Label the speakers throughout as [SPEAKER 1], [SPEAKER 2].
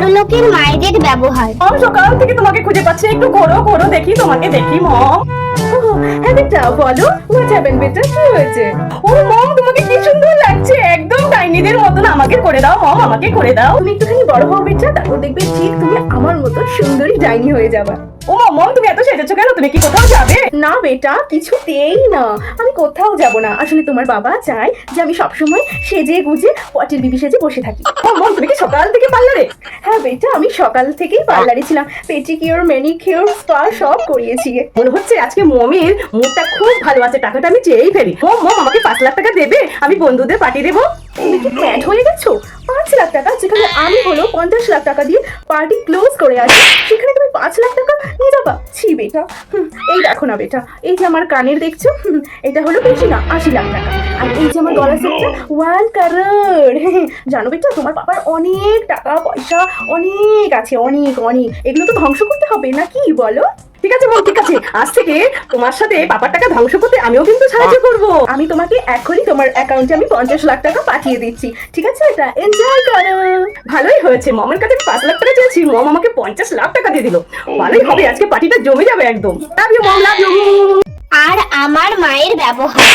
[SPEAKER 1] বড়লোকের মায়েদের ব্যবহার।
[SPEAKER 2] মম, সকাল থেকে তোমাকে খুঁজে পাচ্ছি, একটু ঘোরো ঘোরো দেখি, তোমাকে দেখি মম। হ্যাঁ বেটা বলো, হোয়াট হ্যাপেন্ড বেটা, কি হয়েছে? ও মম, তোমাকে কি সুন্দর লাগছে, একদম ডাইনিদের মতন। আমাকে করে দাও মম, আমাকে করে দাও। তুমি একটুখানি বড় হও বেটা, তারপর দেখবে ঠিক তুমি আমার মতো সুন্দরী ডাইনি হয়ে যাবে। ও মম, তুমি এত সেজেছো কেন? তুমি কি কোথাও যাবে? না বেটা, কিছুতেই না, আমি কোথাও যাব না। আসলে তোমার বাবা চায় যে আমি সবসময় সেজে গুজে পটের বিবি সেজে বসে থাকি। মম, তুমি কি সকাল থেকে পার্লারে? হ্যাঁ বেটা, আমি সকাল থেকেই পার্লারে ছিলাম, পেটিকিওর ম্যানিকিওর স্পা সব করিয়েছি। মনে হচ্ছে আজকে মমের মুডটা খুব ভালো আছে, টাকাটা আমি চেয়েই ফেলি। মম মম, আমাকে 5 লাখ টাকা দেবে, আমি বন্ধুদের পার্টি দেবো। তুমি কি প্যাড হয়ে গেছো? 5 লাখ টাকা, যেখানে আমি হলো 50 লাখ টাকা দিয়ে পার্টি ক্লোজ করে আসি, সেখানে তুমি 5 লাখ টাকা নিয়ে যাবা? ছি বেটা। এই দেখো না বেটা, এই যে আমার কানের দেখছো, এটা হলো বেশি না 80 লাখ টাকা। আর এই যে আমার গলার সেটটা 1 কারোড়। জানো বেটা, তোমার বাবার অনেক টাকা পয়সা অনেক আছে, অনেক অনেক। এগুলো তো ধ্বংস করতে হবে নাকি বলো? ঠিক আছে মম, ঠিক আছে, আজ থেকে তোমার সাথে বাবার টাকা ধ্বংস করতে আমিও কিন্তু সাহায্য করব। আমি তোমাকে এখনই তোমার অ্যাকাউন্টে আমি 50 লাখ টাকা পাঠিয়ে দিচ্ছি, ঠিক আছে? এটা এনজয় করো। ভালোই হয়েছে, মমের কাছে 5 লাখ টাকা চেয়েছি, মম আমাকে 50 লাখ টাকা দিয়ে দিল। ভালোই হবে, আজকে পার্টিটা জমে যাবে একদম। Love you mom, love you.
[SPEAKER 1] আর আমার মায়ের ব্যবহার।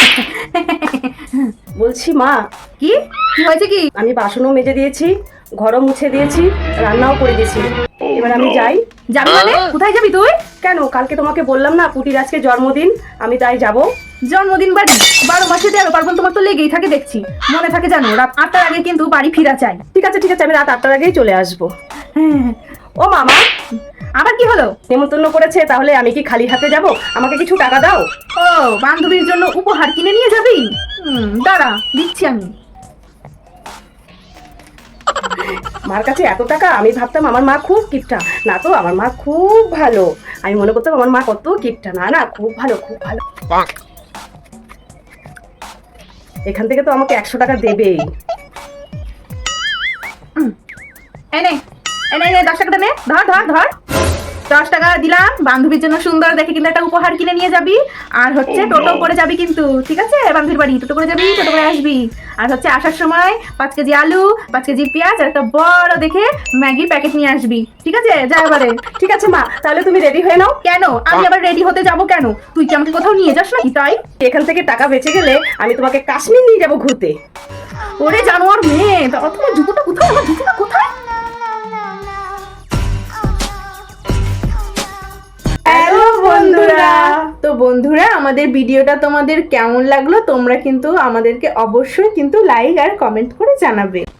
[SPEAKER 2] বলছি মা,
[SPEAKER 3] কি কি হয়েছে? কি
[SPEAKER 2] আমি বাসনও মেজে দিয়েছি, ঘরও মুছে দিয়েছি, রান্নাও করে দিয়েছি। এবার আমি যাই।
[SPEAKER 3] যাবি মানে? কোথায় যাবি তুই?
[SPEAKER 2] কেন, কালকে তোমাকে বললাম না পুটির আজকে জন্মদিন, আমি তাই যাব।
[SPEAKER 3] জন্মদিন বাড়ি 12 মাসে 13 পার্বণ তোমার তো লেগেই থাকে দেখছি। মনে থাকে জানো, রাত 8টার আগে কিন্তু বাড়ি ফিরা চাই।
[SPEAKER 2] ঠিক আছে ঠিক আছে, আমি রাত 8টার আগেই চলে আসবো।
[SPEAKER 3] হ্যাঁ।
[SPEAKER 2] ও মামা,
[SPEAKER 3] আবার কি হলো?
[SPEAKER 2] নেমন্তন্ন করেছে, তাহলে আমি কি খালি হাতে যাব? আমাকে কিছু টাকা দাও।
[SPEAKER 3] ও, বান্ধবীর জন্য উপহার কিনে নিয়ে যাবি? দাঁড়া, দিচ্ছি আমি।
[SPEAKER 2] মার কাছে এত টাকা, আমি ভাবতাম আমার মা খুব কিপটা। না তো, আমার মা খুব ভালো। আমি মনে করতাম আমার মা কত কিপটা। না না, খুব ভালো খুব ভালো। এখান থেকে তো আমাকে 100 টাকা দেবেই।
[SPEAKER 3] এনে এনে এনে 10 টাকাটা নে, ধর ধর ধর। 10 টাকা দিলাম, বান্ধবীর জন্য সুন্দর দেখে কিন্তু একটা উপহার কিনে নিয়ে যাবি। আর হচ্ছে টোটো করে যাবি কিন্তু, ঠিক আছে? বান্ধবীর বাড়ি টোটো করে যাবি, টোটো করে আসবি। আর হচ্ছে আসার সময় 5 কেজি আলু, 5 কেজি পেঁয়াজ আর একটা বড় দেখে ম্যাগি প্যাকেট নিয়ে আসবি, ঠিক আছে? যা এবারে।
[SPEAKER 2] ঠিক আছে মা, তাহলে তুমি রেডি হয়ে নাও।
[SPEAKER 3] কেন আমি আবার রেডি হতে যাব কেন? তুই কি আমাকে কোথাও নিয়ে যাস নাকি তাই?
[SPEAKER 2] এখান থেকে টাকা বেঁচে গেলে আমি তোমাকে কাশ্মীর নিয়ে যাবো ঘুরতে।
[SPEAKER 3] ওরে জানোয়ার মেয়ে, দাঁড়া, তোমার জুতোটা কোথায়? আমার জুতোটা কোথায়? হ্যালো বন্ধুরা। তো বন্ধুরা, আমাদের ভিডিওটা তোমাদের কেমন লাগলো তোমরা কিন্তু আমাদেরকে অবশ্যই কিন্তু লাইক আর কমেন্ট করে জানাবে।